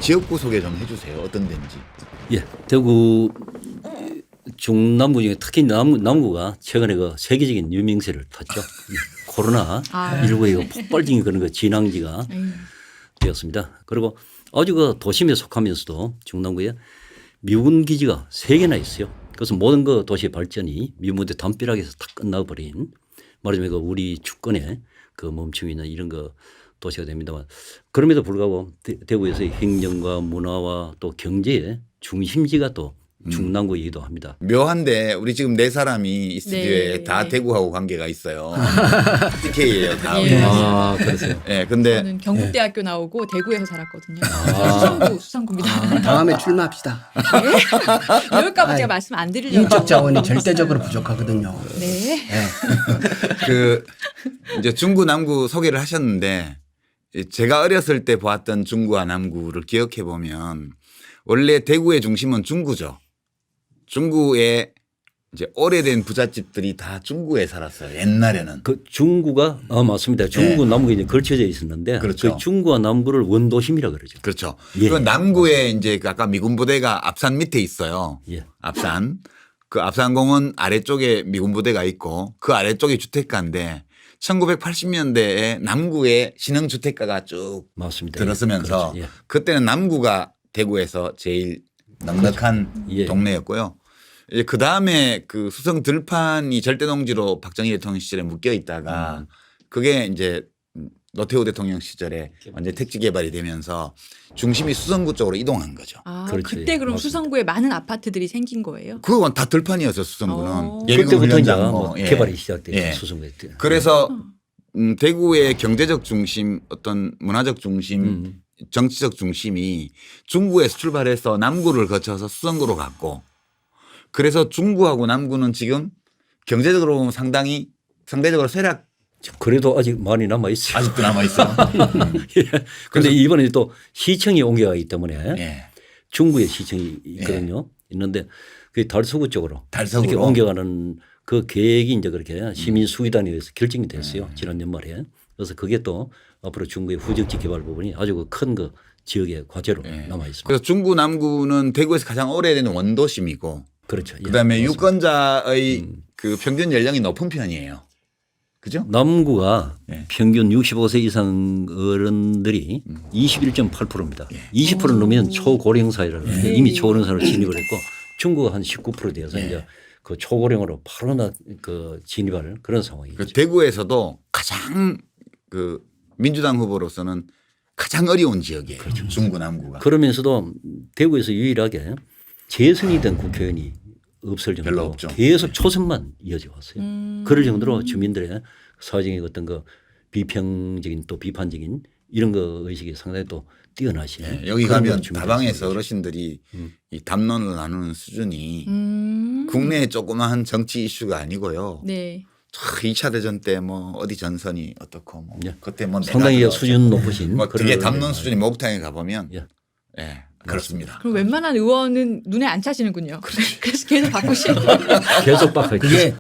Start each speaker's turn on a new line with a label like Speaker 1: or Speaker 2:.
Speaker 1: 지역구 소개 좀 해주세요. 어떤 데인지.
Speaker 2: 예, 대구 중남구 중에 특히 남구가 최근에 그 세계적인 유명세를 탔죠. 코로나 19의 폭발적인 그런 그 진앙지가 되었습니다. 그리고 아주 그 도심에 속하면서도 중남구에 미군 기지가 3개나 있어요. 그래서 모든 그 도시의 발전이 미군의 담벼락에서 다 끝나버린 말하자면 그 우리 주권의 그 멈춤이나 이런 거 도시가 됩니다만 그럼에도 불구하고 대구에서의 행정과 문화와 또 경제의 중심지가 또 중남구이기도 합니다.
Speaker 1: 묘한데 우리 지금 4사람이 이 스튜디오에 다 대구하고 관계가 있어요. TK예요. 다.
Speaker 2: 아, 그러세요.
Speaker 1: 네, 근데
Speaker 3: 저는 경북대학교 나오고 대구에서 살았거든요. 수성구입니다.
Speaker 4: 다음에 출마합시다.
Speaker 3: 네? 이럴까봐 제가 말씀 안 드리려고.
Speaker 4: 인적 자원이 절대적으로 부족하거든요.
Speaker 3: 네.
Speaker 1: 그 이제 중구 남구 소개를 하셨는데 제가 어렸을 때 보았던 중구와 남구를 기억해 보면 원래 대구의 중심은 중구죠. 중구에 이제 오래된 부잣집들이 다 중구에 살았어요. 옛날에는.
Speaker 2: 그 중구가 맞습니다. 중구 남구가 이제 걸쳐져 있었는데
Speaker 1: 그렇죠.
Speaker 2: 그 중구와 남구를 원도심이라 그러죠.
Speaker 1: 그렇죠.
Speaker 2: 예.
Speaker 1: 그 남구에 이제 아까 미군 부대가 앞산 밑에 있어요.
Speaker 2: 예.
Speaker 1: 앞산. 그 앞산공원 아래쪽에 미군 부대가 있고 그 아래쪽이 주택가인데 1980년대에 남구에 신흥주택가가 쭉
Speaker 2: 맞습니다.
Speaker 1: 들었으면서
Speaker 2: 그렇죠. 예.
Speaker 1: 그때는 남구가 대구에서 제일 넉넉한
Speaker 2: 예.
Speaker 1: 동네였고요. 이제 그 다음에 그 수성 들판이 절대농지로 박정희 대통령 시절에 묶여 있다가 그게 이제 노태우 대통령 시절에 완전 택지 개발이 되면서 중심이 수성구 쪽으로 이동한 거죠.
Speaker 3: 아,
Speaker 2: 그렇지.
Speaker 3: 그때 그럼
Speaker 2: 맞습니다.
Speaker 3: 수성구에 많은 아파트들이 생긴 거예요?
Speaker 1: 그건 다 들판이었어요. 수성구는. 예비군
Speaker 2: 그때부터 이제
Speaker 1: 훈련장
Speaker 2: 뭐
Speaker 1: 예.
Speaker 2: 개발이 시작돼요.
Speaker 1: 예.
Speaker 2: 수성구에.
Speaker 1: 그래서 대구의 경제적 중심 어떤 문화적 중심 정치적 중심이 중구에서 출발해서 남구를 거쳐서 수성구로 갔고 그래서 중구하고 남구는 지금 경제적으로 보면 상대적으로 쇠락
Speaker 2: 그래도 아직 많이 남아 있어요.
Speaker 1: 아직도 남아 있어.
Speaker 2: 그런데 이번에 또 시청이 옮겨가기 때문에
Speaker 1: 예.
Speaker 2: 중구에 시청이 있거든요. 있는데 그 달서구 쪽으로
Speaker 1: 달서구로.
Speaker 2: 이렇게 옮겨가는 그 계획이 이제 그렇게 시민 수의단에 의해서 결정이 됐어요. 지난 연말에. 그래서 그게 또 앞으로 중구의 후적지 개발 부분이 아주 큰 그 지역의 과제로 남아 있습니다.
Speaker 1: 그래서 중구 남구는 대구에서 가장 오래된 원도심이고
Speaker 2: 그렇죠. 예,
Speaker 1: 그다음에
Speaker 2: 맞습니다.
Speaker 1: 유권자의 그 평균 연령이 높은 편이에요. 그죠?
Speaker 2: 남구가
Speaker 1: 예.
Speaker 2: 평균 65세 이상 어른들이 21.8%입니다. 20% 넘으면 초고령 사회라고 하는데 이미 초고령 사회로 진입을 했고 중구가 한 19% 되어서 이제 그 초고령으로 바로 그 진입할 그런 상황이죠.
Speaker 1: 그 대구에서도 가장 그 민주당 후보로서는 가장 어려운 지역이에요. 중구 남구가.
Speaker 2: 그러면서도 대구에서 유일하게 재선이 된 국회의원이 없을
Speaker 1: 별로
Speaker 2: 정도로
Speaker 1: 없죠.
Speaker 2: 계속 초선만 이어져 왔어요. 그럴 정도로 주민들의 사회적인 어떤 그 비평적인 또 비판적인 이런 거 의식이 상당히 또 뛰어나시네.
Speaker 1: 예, 여기
Speaker 2: 그런
Speaker 1: 가면
Speaker 2: 걸 준비해서
Speaker 1: 다방에서
Speaker 2: 그러죠.
Speaker 1: 어르신들이 이 담론을 나누는 수준이
Speaker 3: 음.
Speaker 1: 국내의 조그마한 정치 이슈가 아니고요.
Speaker 3: 네.
Speaker 1: 2차 대전 때 뭐 어디 전선이 어떻고 뭐
Speaker 2: 예.
Speaker 1: 그때 뭐
Speaker 2: 상당히
Speaker 1: 내가
Speaker 2: 수준 높으신
Speaker 1: 뭐 되게
Speaker 2: 그런
Speaker 1: 담론
Speaker 2: 의원들.
Speaker 1: 수준이 목욕탕에 가보면
Speaker 2: 예.
Speaker 1: 예, 그렇습니다.
Speaker 3: 그럼 웬만한 의원은 눈에 안 차시는군요. 그래서 계속 바꾸시는 거예요.
Speaker 2: 계속 바꿔
Speaker 4: 그게